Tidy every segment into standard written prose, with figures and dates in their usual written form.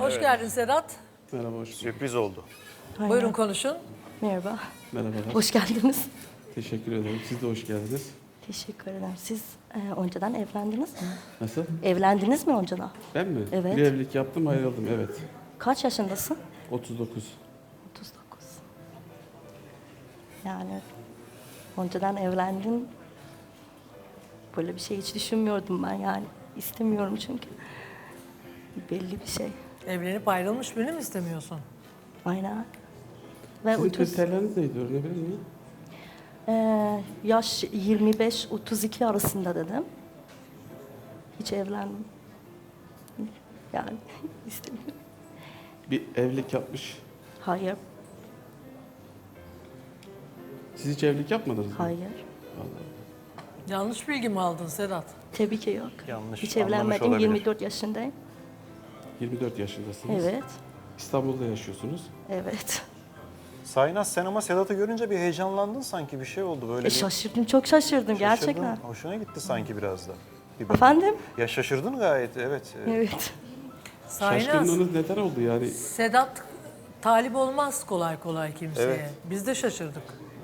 Hoş geldin Sedat. Merhaba, hoş bulduk. Sürpriz oldu. Aynen. Buyurun konuşun. Merhaba. Merhabalar. Hoş geldiniz. Teşekkür ederim. Siz de hoş geldiniz. Teşekkür ederim. Siz önceden evlendiniz mi? Nasıl? Evlendiniz mi önceden? Ben mi? Evet. Bir evlilik yaptım, ayrıldım. Evet. Kaç yaşındasın? 39. 39. Yani önceden evlendin. Böyle bir şey hiç düşünmüyordum ben yani. İstemiyorum çünkü. Belli bir şey. Evlenip ayrılmış birini mi istemiyorsun? Aynen. Ve Sizin 30, kriterleriniz neydi? Öğrenebilir miyim? yaş 25-32 arasında dedim. Hiç evlendim. Yani istemiyorum. Bir evlilik yapmış. Hayır, Siz hiç evlilik yapmadınız mı? hayır. Yanlış bilgi mi aldın Sedat? Tabii ki yok. Yanlış Hiç anlamış evlenmedim. olabilir. 24 yaşındayım. 24 yaşındasınız. Evet, İstanbul'da yaşıyorsunuz. evet. Saynaz, sen ama Sedat'ı görünce bir heyecanlandın sanki, bir şey oldu böyle. Bir Şaşırdım, çok şaşırdım şaşırdın. gerçekten. Hoşuna gitti sanki biraz da. Bir bakın. Efendim? Ya şaşırdın gayet, evet. Evet. Saynaz, Şaşkınlığınız neden oldu yani? Sedat talip olmaz kolay kolay kimseye. Evet. Biz de şaşırdık.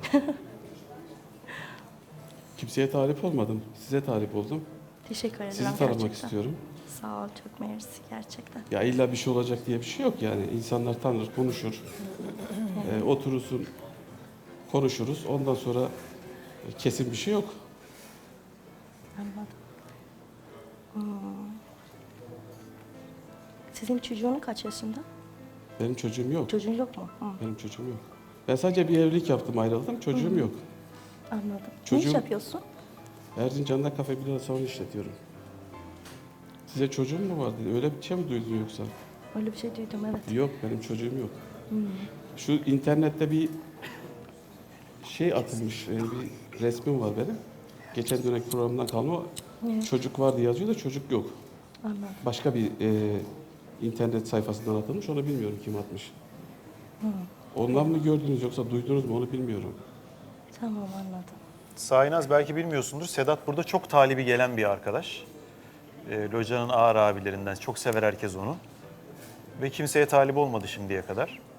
Kimseye talip olmadım. Size talip oldum. Teşekkür ederim Sizi tanımak gerçekten. istiyorum. Sağ ol, çok mersi gerçekten. Ya illa bir şey olacak diye bir şey yok yani. İnsanlar tanır, konuşur. Oturursun, konuşuruz. Ondan sonra kesin bir şey yok. Anladım. Sizin çocuğun kaç yaşında? Benim çocuğum yok. Çocuğun yok mu? Benim çocuğum yok. Ben sadece bir evlilik yaptım, ayrıldım. Çocuğum yok. Anladım. Ne Çocuğum- iş yapıyorsun? Erzincan'da kafe bir salonu işletiyorum. Size çocuğum mu var dedi. Öyle bir şey mi duydun yoksa? Öyle bir şey duydum, evet. Yok, benim çocuğum yok. Şu internette bir şey atılmış, bir resmim var benim. Geçen dönem programdan kalma. Çocuk var diye yazıyor da çocuk yok. Anladım. Başka bir internet sayfasından atılmış, onu bilmiyorum kim atmış. Ondan mı gördünüz yoksa duydunuz mu onu bilmiyorum. Tamam, anladım. Saynaz, belki bilmiyorsundur, Sedat burada çok talibi gelen bir arkadaş. Loca'nın ağır abilerinden, çok sever herkes onu. Ve kimseye talip olmadı şimdiye kadar.